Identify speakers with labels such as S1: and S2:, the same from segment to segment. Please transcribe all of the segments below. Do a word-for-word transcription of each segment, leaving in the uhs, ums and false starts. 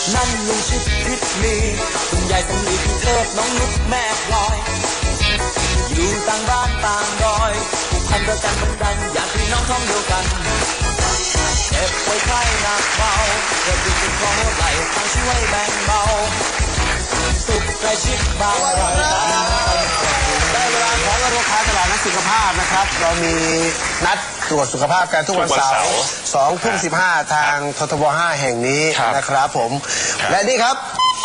S1: นั่นลุงชิดพิษมีคุณยายสำลีพี่เทิดน้องนุ๊กแม่พลอยอยู่ต่างบ้านต่างดอยผูกพันรักกันบันดังอยากพี่น้องท้องเดียวกันเจ็บป่วยไข้หนักเบาเกิดดูเป็นคอหัวไหล่ทางช่วยแบ่งเบาสุขใกล้ชิดบางเรา
S2: ได้เวลาของโรงค้าตลาดนัดสุขภาพนะครับเรามีนัดตรวจสุขภาพกันทุกวันเสาร์สองทุ่มสิบห้าทางททบห้าแห่งนี้นะครับผมและนี่ครับ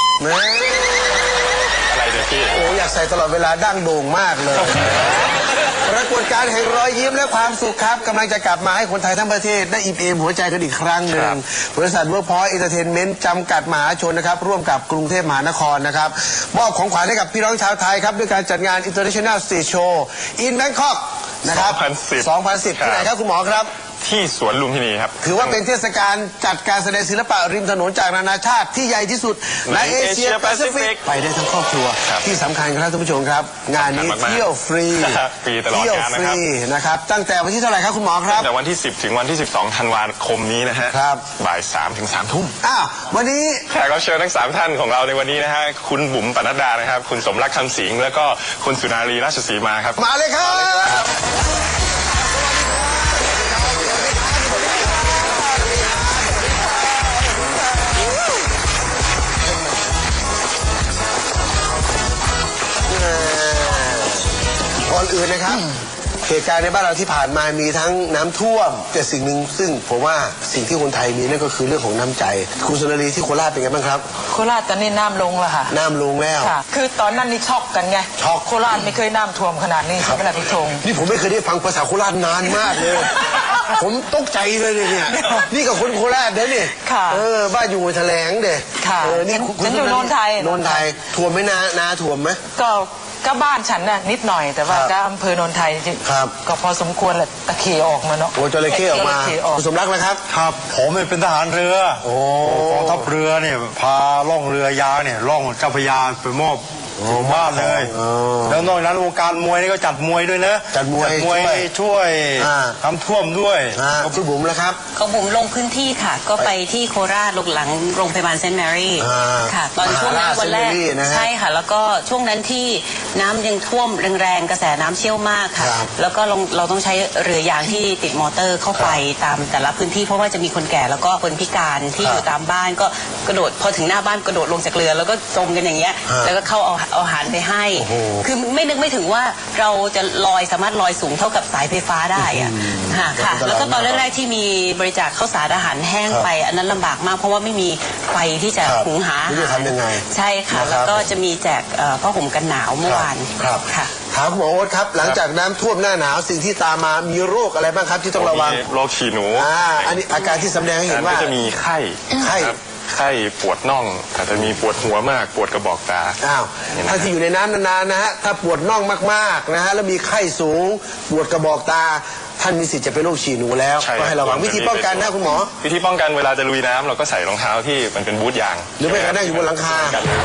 S3: อะไรเดี๋ยวพี่
S2: โอ้อยากใส่ตลอดเวลาดั้งโด่งมากเลยปรากฏการณ์แห่งรอยยิ้มและความสุขครับกำลังจะกลับมาให้คนไทยทั้งประเทศได้อิ่มเอมหัวใจกันอีกครั้งหนึ่งบริษัทเวิร์คพอยต์เอนเตอร์เทนเมนต์จำกัดมหาชนนะครับร่วมกับกรุงเทพมหานครนะครับมอบของขวัญให้กับพี่น้องชาวไทยครับด้วยการจัดงาน International Stage Show in Bangkok นะครับสองพันสิบที่ไหนครับคุณหมอครับ
S3: ที่สวนลุมพินีครับ
S2: ถือว่าเป็นเทศกาลจัดการแสดงศิลปะริมถนนจากนานาชาติที่ใหญ่ที่สุดในเอเชียแปซิฟิกไปได้ทั้งครอบครัวที่สำคัญครับท่านผู้ชมครับงานนี้เที่ยวฟรี
S3: ฟรีตลอดกาลนะครับ
S2: นะครับตั้งแต่วันที่เท่าไหร่ครับคุณหมอครับ
S3: ตั้งแต่วันที่สิบถึงวันที่สิบสองธันวาคมนี้นะฮะบ่ายสามถึงสามทุ่ม
S2: อ้าววันนี้
S3: แขกรับเชิญทั้งสามท่านของเราในวันนี้นะฮะคุณบุ๋มปนัดดานะครับคุณสมรักคำสิงห์แล้วก็คุณสุนารีราชสีมาครับ
S2: มาเลยครับก่อนอื่นนะครับเหตุการณ์ในบ้านเราที่ผ่านมามีทั้งน้ำท่วมแต่สิ่งหนึ่งซึ่งผมว่าสิ่งที่คนไทยมีนั่นก็คือเรื่องของน้ำใจคุณสุนารีที่โคราชเป็นไงบ้างครับ
S4: โคราชตอนนี้น้ำลงแล้วค่ะ
S2: น้ำลงแล้ว
S4: ค่ะคือตอนนั้นนี่ช็อกกันไง
S2: ช็อก
S4: โคราชไม่เคยน้ำท่วมขนาดนี้ใช่ไหมล่ะพี่ธง
S2: นี่ผมไม่เคยได้ฟังภาษาโคราชนานมากเลยผมตกใจเลยเนี่ยนี่กับคนโคราชเด้เนี่ยเออบ้านอยู่แถลงเด็ก
S4: ค่ะนี่ฉันอยู่โนนไทย
S2: โนนไทยท่วมไหมนานาท่วมไหม
S4: ก็ก็บ้านฉันน่ะนิดหน่อยแต่ว่าก็อำเภอโนนไทยก็พอสมควรแหละตะเคียออกมาเนาะ
S2: โอ้จระเข้ออกมาคุณสมรักนะครับ
S5: ครับผมเป็นทหารเรือโอ้กองทัพเรือเนี่ยพาล่องเรือยางเนี่ยล่องเจ้าพระยาไปมอบถึงบ้านเลยแล้วนอกจากนั้นวงการมวยนี่ก็จัดมวยด้วยนะ
S2: จัดมวย
S5: ช่วยทำท่วมด้วย
S2: คุณบุ๋มแล้วครับ
S6: ของบุ๋มลงพื้นที่ค่ะก็ไปที่โคราชหลังโรงพยาบาลเซนต์แมรี่ค่ะตอนช่วงนั้นวันแรกใช่ค่ะแล้วก็ช่วงนั้นที่น้ำยังท่วมแรงๆกระแสน้ำเชี่ยวมากค่ะแล้วก็เราต้องใช้เรือยางที่ติดมอเตอร์เข้าไปตามแต่ละพื้นที่เพราะว่าจะมีคนแก่แล้วก็คนพิการที่อยู่ตามบ้านก็กระโดดพอถึงหน้าบ้านกระโดดลงจากเรือแล้วก็จมกันอย่างเงี้ยแล้วก็เข้าเอาเอาอาหารไปให้คือไม่นึกไม่ถึงว่าเราจะลอยสามารถลอยสูงเท่ากับสายไฟฟ้าได้อะค่ะแล้วก็ตอนแรกๆที่มีบริจาคข้าวสารอาหารแห้งไปอันนั้นลำบากมากเพราะว่าไม่มีไฟที่จะหุงหาอาหารใช่ค่ะแล้วก็จะมีแจกผ้าห่มกันหนาวเมื่อวาน
S2: ค่ะถามหมอโอ๊ตครับหลังจากน้ำท่วมหน้าหนาวสิ่งที่ตามมามีโรคอะไรบ้างครับที่ต้องระวัง
S3: โรคฉี่หนู
S2: อ่าอันนี้อาการที่แสดงให้เห็นว่า
S3: จะมีไข้
S2: ไข้
S3: ไข้ปวดน่องอาจจะมีปวดหัวมากปวดกระบอกตา
S2: อ้าวถ้าที่อยู่ในน้ำนานๆนะฮะถ้าปวดน่องมากๆนะฮะแล้วมีไข้สูงปวดกระบอกตาท่านมีสิทธิ์จะเป็นโรคฉี่หนูแล้วก็ให้ระวังวิธีป้องกันนะคุณหมอ
S3: วิธีป้องกันเวลาจะลุยน้ำเราก็ใส่รองเท้าที่มันเป็นบูทยาง
S2: หรือไม่ก็นั่งอยู่บนหลังคา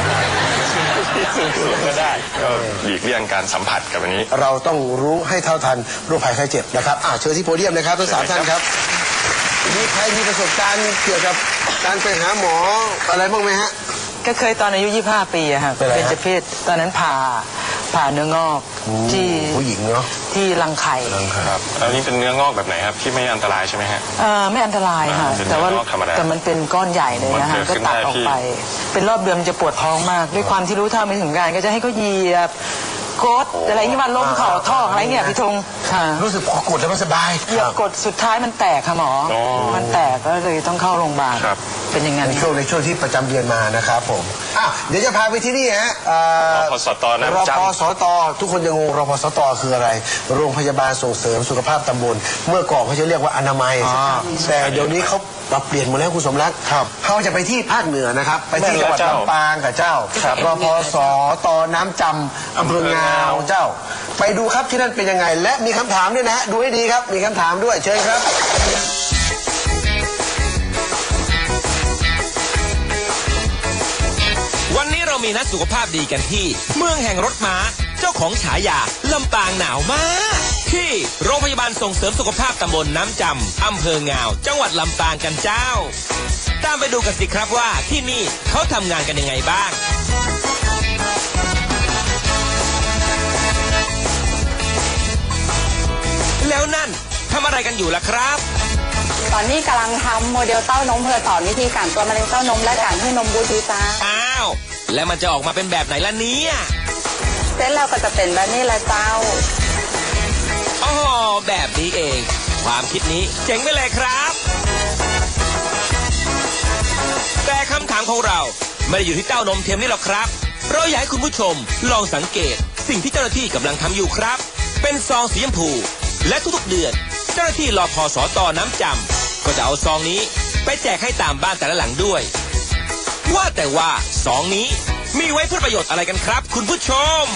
S3: สูงๆก็ได้ก็หลีกเลี่ยงการสัมผัสกับอันนี้
S2: เราต้องรู้ให้เท่าทันโรคภัยไข้เจ็บนะครับอ่าเชิญที่โพเดียมนะครับทั้งสามท่านครับมีใครมีประสบการณ์เกี่ยวกับการไปหาหมออะไรบ้างไหมฮะ
S4: ก็เคยตอนอายุยี่สิบห้าปีอะค่ะเป็นเจเพศตอนนั้นผ่าผ่าเนื้องอกที่
S2: ผู้หญิงเนาะ
S4: ที่รังไข่
S3: ครับอันนี้เป็นเนื้องอกแบบไหนครับที่ไม่อันตรายใช่ไหมฮะ
S4: เออไม่อันตรายค่ะแต่ว่าแต่มันเป็นก้อนใหญ่เลยนะคะก็ตัดออกไปเป็นรอบเดือนมันจะปวดท้องมากด้วยความที่รู้เท่าไม่ถึงการก็จะให้เขาเหยียบกดอะไรเงี้ยมันล้มเข่าท่ออะไรเงี้ยพี่ธง
S2: รู้สึกพอกดแล้วมันสบาย
S4: เหยียบกดสุดท้ายมันแตกค่ะหมอมันแตกก็เลยต้องเข้าโรงพยาบาลเป็นอย่างนั้น
S2: ในช่วงในช่วงที่ประจำเดือนมานะครับผมอ่ะเดี๋ยวจะพาไปที่นี่ฮะ
S3: รพสตนะ
S2: รพสตทุกคนยังงงรพสตคืออะไรโรงพยาบาลส่งเสริมสุขภาพตำบลเมื่อก่อนเขาจะเรียกว่าอนามัยแต่เดี๋ยวนี้เขาปรับเปลี่ยนหมดแล้วคุณสมรักเขาจะไปที่ภาคเหนือนะครับไปที่จังหวัดลำปางกับเจ้ารพสตน้ำจำอำเภองาวเจ้าไปดูครับที่นั่นเป็นยังไงและมีคำถามด้วยนะฮะดูให้ดีครับมีคำถามด้วยเชิญครับ
S7: วันนี้เรามีนัดสุขภาพดีกันที่เมืองแห่งรถม้าจ้าของฉายาลำปางหนาวมากที่โรงพยาบาลส่งเสริมสุขภาพตำบลน้ำจำอำเภองาวจังหวัดลำปางกันเจ้าตามไปดูกันสิครับว่าที่นี่เขาทำงานกันยังไงบ้างแล้วนั่นทำอะไรกันอยู่ล่ะครับ
S8: ตอนนี้กำลังทำโมเดลเต้านมเพื่อสอนวิธีการตัวมะเร็งเต้านมและการให้นมบูทีจ้า
S7: อ้าวแล้วมันจะออกมาเป็นแบบไหนล่ะเนี่ย
S8: เสร็จแล้วก็จะเป็นแบบนี้แหละเจ้า
S7: อ๋อแบบนี้เองความคิดนี้เจ๋งไปเลยครับแต่คำถามของเราไม่ได้อยู่ที่เต้านมเทียมนี่หรอกครับเราอยากให้คุณผู้ชมลองสังเกตสิ่งที่เจ้าหน้าที่กำลังทำอยู่ครับเป็นซองสีชมพูและทุกๆเดือนเจ้าหน้าที่รพสต.น้ำจำก็จะเอาซองนี้ไปแจกให้ตามบ้านแต่ละหลังด้วยว่าแต่ว่าซองนี้มีไว้เพื่อประโยชน์อะไรกันครับคุณผู้ชม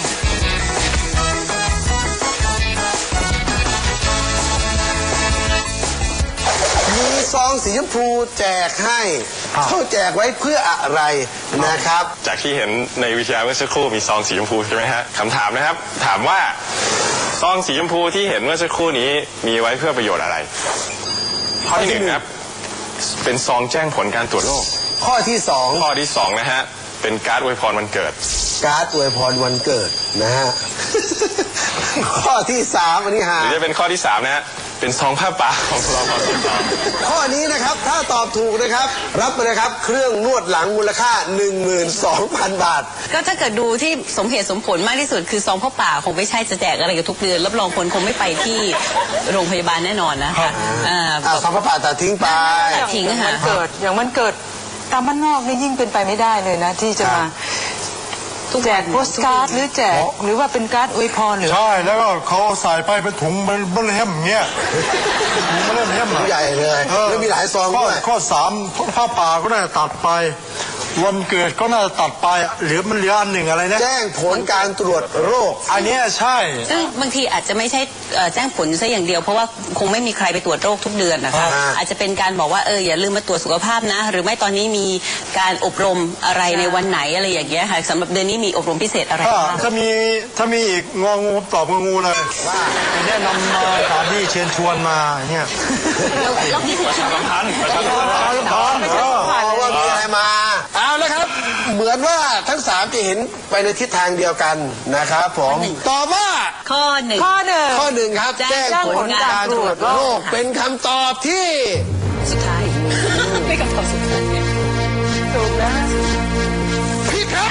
S2: มีซองสีชมพูแจกให้เขาแจกไว้เพื่ออะไรนะครับ
S3: จากที่เห็นในวิทยาเมื่อสักครู่มีซองสีชมพูใช่ไหมฮะคำถามนะครับถามว่าซองสีชมพูที่เห็นเมื่อสักครู่นี้มีไว้เพื่อประโยชน์อะไรข้อที่หนึ่งครับเป็นซองแจ้งผลการตรวจโรค
S2: ข้อที่สอง
S3: ข้อที่สองนะฮะเป็นการ์ดอวยพรวันเกิด
S2: การ์ดอวยพรวันเกิดนะฮะข้อที่สามอันนี้หา
S3: หรือจะเป็นข้อที่สามนะฮะเป็นซองผ้าป่าของรพสต.
S2: ข้อนี้นะครับถ้าตอบถูกนะครับรับไปนะครับเครื่องนวดหลังมูลค่า หนึ่งหมื่นสองพัน บาท
S6: ก็ถ้าเกิดดูที่สมเหตุสมผลมากที่สุดคือซองผ้าป่าคงไม่ใช่จะแจกอะไรกับทุกเดือนรับรองคนคงไม่ไปที่โรงพยาบาลแน่นอนนะคะ
S2: อ่าซองผ้าป่าตัดทิ้งไป
S6: ตัดทิ้งค่ะ
S4: เกิดอย่างมันเกิดตามบ้านนอกนี่ยิ่งเป็นไปไม่ได้เลยนะที่จะมาแจกโปสการ์ดหรือแจกหรือว่าเป็นการ์ดอวยพรหรือ
S5: ใช่แล้วก็เขาใส่ไปเป็นถุงมันเบลเฮมเงี้ยถุงเบลเฮม
S2: ใหญ่เลยแล้วมีหลายซองด้วย
S5: ข้อสามผ้าป่าก็น่าจะตัดไปวันเกิดก็น่าจะตัดไปหรือมันเหลืออันหนึ่งอะไรนะ
S2: แจ้งผลการตรวจโรค
S5: อันนี้ใช่
S6: ซึ่งบางทีอาจจะไม่ใช่แจ้งผลซะอย่างเดียวเพราะว่าคงไม่มีใครไปตรวจโรคทุกเดือนนะคะอาจจะเป็นการบอกว่าเอออย่าลืมมาตรวจสุขภาพนะหรือไม่ตอนนี้มีการอบรมอะไรในวันไหนอะไรอย่างเงี้ยค่ะสำหรับเดือนนี้มีอบรมพิเศษอะไรบ้าง
S5: ถ้ามีถ้ามีอีกงองูตอบงองูเลยว่าแนะนำมาสถานที่เชิญชวนมาเนี่ย
S6: แล้วพิเศษ
S3: ประชาสัมพันธ์ประชาสัมพันธ์
S2: ว่ามีอะไรมาเอาแล้วครับเหมือนว่าทั้งสามจะเห็นไปในทิศทางเดียวกันนะครับผมตอบว่า
S6: ข้อหนึ่ง
S4: ข้อหนึ่ง
S2: ข้อหนึ่งครับแจ้งผลการตรวจโรคเป็นคำตอบที่
S6: สุดท้ายไม่คำตอบสุดท้าย
S4: ถูกนะ
S2: ผิดครับ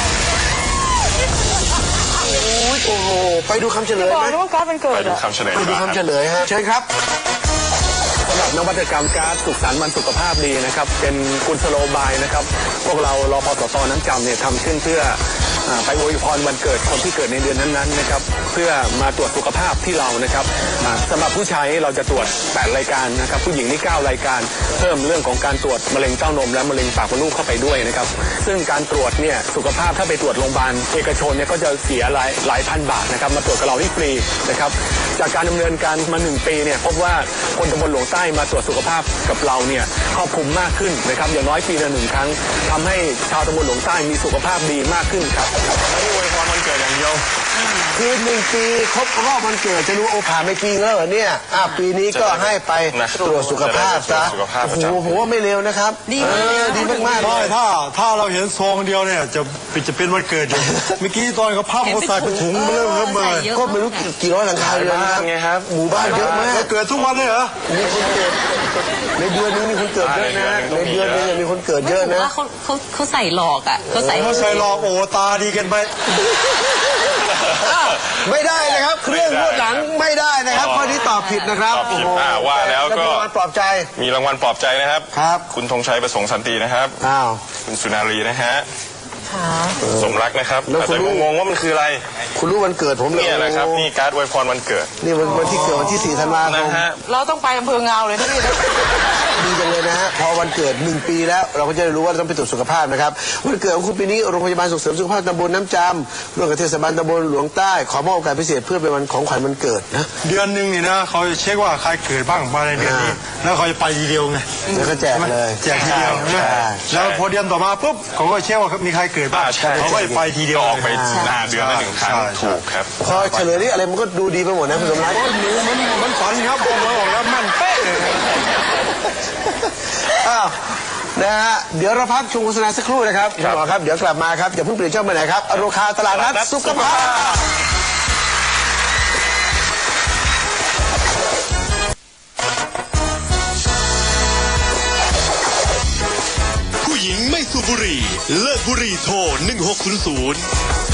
S2: โอ้โหไปดูคำเฉลยไหม
S3: ไปดูคำเฉลย
S2: ไปดูคำเฉลยฮะเชิญครับ
S9: สำหรับนวัตกรรมการ์ดสุขสันต์วันสุขภาพดีนะครับเป็นกุศโลบายนะครับพวกเรารพสต.น้ำจำเนี่ยทำขึ้นเพื่อไปอวยพรวันเกิดคนที่เกิดในเดือนนั้นๆนะครับเพื่อมาตรวจสุขภาพที่เรานะครับสำหรับผู้ชายเราจะตรวจแปดรายการนะครับผู้หญิงนี่เก้ารายการเพิ่มเรื่องของการตรวจมะเร็งเต้านมและมะเร็งปากมดลูกเข้าไปด้วยนะครับซึ่งการตรวจเนี่ยสุขภาพถ้าไปตรวจโรงพยาบาลเอกชนเนี่ยก็จะเสียหลายหลายพันบาทนะครับมาตรวจกับเราที่ฟรีนะครับจากการดำเนินการมาหนึ่งปีเนี่ยพบว่าคนตำบลหลวงใต้มาตรวจสุขภาพกับเราเนี่ยครอบคลุมมากขึ้นนะครับอย่างน้อยปีละหนึ่งครั้งทำให้ชาวตำบลหลวงใต้มีสุขภาพดีมากขึ้นครับ
S3: ไม่ได้อวยพรวันเกิดอย่างเดียว
S2: คือหนึ่งปีครบรอบวันเกิดจะรู้โอผ่านไม่ปีแล้วเหรอเนี่ยอ่ะปีนี้ก็ให้ไปตรวจสุขภาพซะโอ้โหผมว่าไม่เร็วนะครับ
S6: ดี
S2: ดีมากๆเลย
S5: ถ้าถ้าเราเห็นซองเดียวเนี่ยจะจะเป็นวันเกิดอยู่เมื่อกี้ตอนเขาพับเขาใส่เป็นถุงมาเริ่มเริ่มเลย
S2: ก็ไม่รู้กี่ร้อยหลังคาเรือน
S3: ไงครับ
S2: หมู่บ้านเยอะมาก
S5: เกิดทุกวันเลยเหรอ
S2: มีคนเกิดในเดือนนึงมีคนเกิดเยอะนะในเดือนนึงมีคนเกิดเยอะนะ
S6: เขาเขาเขาใส่หลอกอ่ะเขาใส่
S5: เขาใส่หลอกโอ้ตาดีกันไป
S2: ไม่ได้นะครับเครื่องนวดหลังไม่ได้นะครับข้อนี้ตอบผิดนะครับ
S3: โอ้โหว่าแล้วก็
S2: มีรางวัลปลอบใจ
S3: มีรางวัลปลอบใจนะครับ
S2: ครับ
S3: คุณธงชัยประสงค์สันตินะครับ
S2: อ้าว
S3: คุณสุนารีนะฮะสมรักนะครับแต่งงว่ามันคืออะไร
S2: คุณรู้วันเกิดผมเลย
S3: นี่แหละครับนี่การ์ดอวยพรวันเกิด
S2: นี่วันวันที่เกิดวันที่สี่ธันวาคม
S4: เราต้องไปอำเภอเงาเลยนะพี่
S2: ดีจังเลยนะฮะพอวันเกิดหนึ่งปีแล้วเราก็จะรู้ว่าเราต้องไปตรวจสุขภาพนะครับวันเกิดของคุณปีนี้โรงพยาบาลส่งเสริมสุขภาพตำบลน้ำจำร่วมกับเทศบาลตำบลหลวงใต้ขอมอบโอกาสพิเศษเพื่อเป็นวันของขวัญวันเกิดนะ
S5: เดือนหนึ่งนี่นะเขาเช็คว่าใครเกิดบ้างมาในเดือนนี้แล้วเขาจะไปทีเดียวไง
S2: แล้วก็แจกเลย
S5: แจกทีเดียวแล้วพอเดือนต่อมาปุ๊บเขาก็เช็คว่ามีใครเกิดกิดบ้าง
S3: อ่าใช่
S5: เขาก็ไปทีเดียว
S3: ออกไปหน้าเดือนละหนึ่งครั้ง
S5: ใช่
S3: ถูกครับ
S2: พอเฉลยนี่อะไรมันก็ดูดีไปหมดนะคุณสมรัก
S5: โอ้ยหนูมันมันฝันครับผมบอกแล้วมันเป๊ะเลย
S2: อ้าวนะฮะเดี๋ยวเราพักชมโฆษณาสักครู่นะครับคุณหมอครับเดี๋ยวกลับมาครับอย่าเพิ่งเปลี่ยนช่องไปไหนครับอโรคาตลาดนัดสุขภาพ
S10: ผู้หญิงไม่สูบบุหรี่เลิกบุหรี่โทรหนึ่งหกศูนย์ศูนย์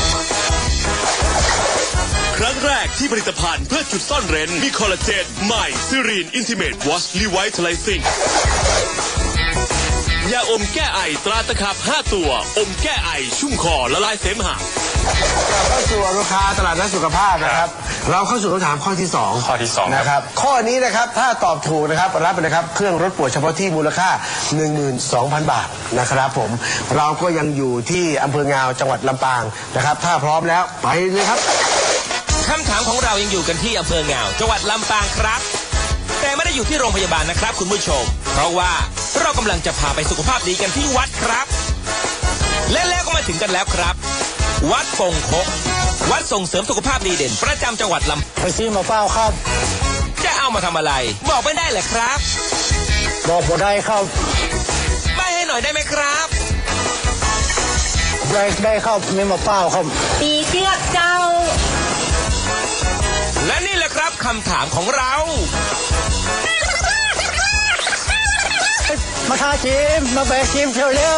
S10: ครั้งแรกที่ผลิตภัณฑ์เพื่อจุดซ่อนเร้นมีคอลลาเจนใหม่ซิรีนอินทิเมตวอชรีไวท์ไลซิ่งยาอมแก้ไอตราตะขับห้าตัวอมแก้ไอชุ่มคอละลายเสมหะ
S2: กลับเข้าสู่อโรคาตลาดนัดสุขภาพนะครับเราเข้าสู่คำถามข้อที่สอง
S3: ข้อที่สองครับ
S2: นะครับข้อนี้นะครับถ้าตอบถูกนะครับรับไปนะครับเครื่องรถปวดเฉพาะที่มูลค่า หนึ่งหมื่นสองพัน บาทนะครับผมเราก็ยังอยู่ที่อำเภองาวจังหวัดลำปางนะครับถ้าพร้อมแล้วไปเลยครับ
S7: คำถามของเรายังอยู่กันที่อำเภอเงาจังหวัดลำปางครับ แต่ไม่ได้อยู่ที่โรงพยาบาลนะครับคุณผู้ชม เพราะว่าเรากำลังจะพาไปสุขภาพดีกันที่วัดครับ และแล้วก็มาถึงกันแล้วครับ วัดปงคกวัดส่งเสริมสุขภาพดีเด่นประจำจังหวัดลำ
S5: ไปซื้อมาเปล่าครับ
S7: จะเอามาทำอะไร บอกไม่ได้เหรอครับ
S5: บอกบ่ได้ครับ
S7: ใบให้หน่อยได้ไหมครับ
S5: ได้ได้ครับไม่มาเปล่าครับ
S6: ปีเชือกเจ้า
S7: และนี่แหละครับคำถามของเรา
S5: มาทาครีมมาแบกครีมเชียวเร็ว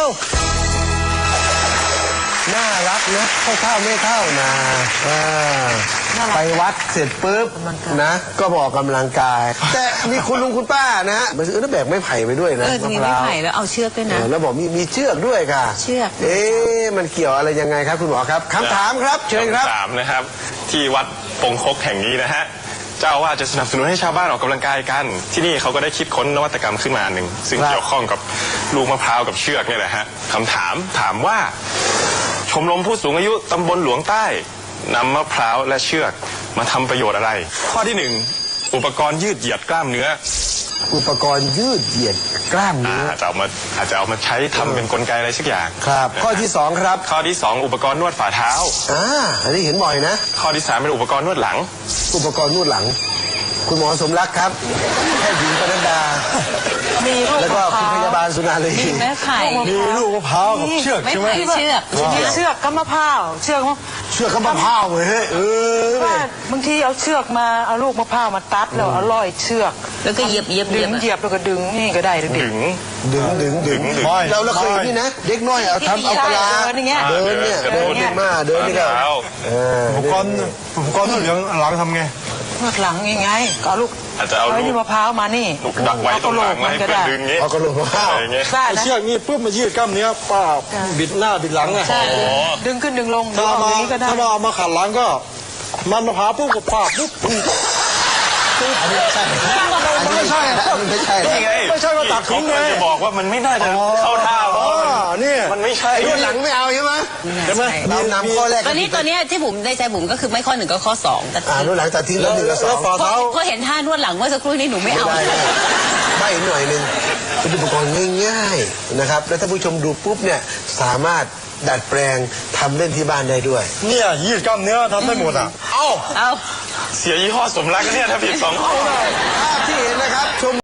S2: น่ารักนะเข้าเท่าไม่เท่านะอ่าไปวัดเสร็จปุ๊บนะก็บอกกำลังกาย แต่มีคุณลุงคุณป้านะฮะมาซื้อแล้วแบกไม้ไผ่ไปด้วยนะ
S6: เออมีไม้ไผ่แล้วเอาเชือกด้วย
S2: เอ
S6: นะ
S2: อแล้วบอกมีมีเชือกด้วยค่ะ
S6: เชือก
S2: เอ๊ะมันเกี่ยวอะไรยังไงครับคุณหมอครับคำถามครับเชิญครับ
S3: คำถามนะครับ ที่วัดปงคกแห่งนี้นะฮะเจ้าอาว่าสจะสนับสนุนให้ชาวบ้านออกกำลังกายกัน ที่นี่เขาก็ได้คิดค้นนวัตกรรมขึ้นมาหนึ่งซึ่ง
S2: ครับ
S3: เกี่ยวข้องกับลูกมะพร้าวกับเชือกเนี่ยแหละฮะคำถามถามว่า ชมรมผู้สูงอายุตำบลหลวงใต้นำมะพร้าวและเชือกมาทำประโยชน์อะไร ข้อที่หนึ่งอุปกรณ์ยืดเหยียดกล้ามเนื้อ
S2: อุปกรณ์ยืดเหยียดกล้าม
S3: อ่า
S2: เนื้อ
S3: อาจจะเอามาอาจจะเอามาใช้ทำเป็นกลไกอะไรสักอย่าง
S2: ครับ ข้อที่สองครับ
S3: ข้อที่สองอุปกรณ์นวดฝ่าเท้า
S2: อ่าอันนี้เห็นบ่อยนะ
S3: ข้อที่สามเป็นอุปกรณ์นวดหลัง
S2: อุปกรณ์นวดหลัง คุณหมอสมรักครับแพทย์หญิงปนัดดา
S4: มีลูก
S2: แล้วก็
S4: มะพ
S2: คุณ
S4: ร้าว
S2: พยาบาลสุนารี
S6: มีไม้ไผ่
S5: มีลูกมะพร้าวกับเชือก
S6: ไม้
S5: ใช่ไหม
S6: ไผ่เชือก
S4: มีเชือกกับมะพร้าวเชือกมะ
S2: เชือกก็มะพร้าวเว้ยเออ
S4: ว่าบางทีเอาเชือกมาเอาลูกมะพร้าวมาตัดแล้วเอาร้อยเชือก
S6: แล้วก็เหยียบเหยียบเห
S4: ดึ
S6: ยีย
S4: ง
S6: บ
S4: เหยียบแล้วก็ดึงนี่ก็ได้เด็ก
S3: ถึง
S2: ดึงดึงดึง
S3: ดึง
S2: เราเราเคยเห็นนี่นะเด็กน้อยเอาทำเอากะลา
S4: เดินอย่างเงี้ย
S2: เดินเนี่ย
S3: เดิ
S2: เดิน
S3: น
S2: นี่มาเดินนี่ก็
S3: เท้า
S2: เออ
S5: อุปกรณ์อุปกรณ์เหลืองหลังทำไง
S4: นวดหลังยังไงก็เอาลูก
S3: อาจจะเอา
S4: ไอ้
S3: ลู
S4: นี่
S3: ก
S4: มะพร้าวมานี่
S3: ลูกดักไว้ตรงหลังแล้วให้เพื่อนดึงงี้
S2: เอากระโหลกมะพร้าว
S3: อะไรอย่างเงี้ย
S4: ได้
S5: ไอ้
S4: นะ
S5: เชือกนี่ปุ๊บมายืดกล้ามเนื้อป้าบิดหน้าบิดหลังไง
S4: ใช่ดึงขึ้นดึงลงดึ
S5: ถ้าง
S4: ออก
S5: มา
S4: อย่างนี้ก็ได้
S5: ถ้ามาเอามาขัดหลังก็ มันมะพร้าวปุ๊บกับป้าปุ๊บ
S2: อันนี้ไม่ใช่อันนี้ไม่ใช่อันนี้ไม่ใช่
S3: นี่ไง
S5: ไม่ใช่ว่าตัด
S3: เขา
S5: ทิ้งไง
S3: กำลังจะบอกว่ามันไม่น่าจะเข้าท่าเพราะ
S5: อ๋อ
S3: ว่ามัน
S5: นี่
S3: มันไม่ใช่
S2: ไอ้นวดหลังไม่เอาใช่ไหม
S5: ใช่ไหม
S2: เรานำข้อแรก
S6: ตัวนี้ตัวเนี้ยที่บุ๋มได้ใจบุ๋มก็คือไม่ข้อหนึ่งก็ข้อสองแต่
S2: อ่านวดหลังตัดทิ้งแล้วหนึ่งกับสอง
S5: ฝ่า
S6: เพราะ
S5: เท้า
S6: เพราะเห็นท่านวดหลังเมื่อสักครู่นี้หนูไม่เอา
S2: ไม่ได้นะใบหน่อยหนึ่งเป็นอุปกรณ์ง่ายๆนะครับ แล้วถ้าผู้ชมดูปุ๊บเนี่ยสามารถดัดแปลงทำเล่นที่บ้านได้ด้วย
S5: เนี่ยยืดกล้ามเนื้อทำได้หมดอ่ะ
S3: เอ้า
S6: เอา
S3: เสียยี่ห้อสมรักเนี่ยถ้าผิดสองข้อ
S2: ภาพที่เห็นนะครับ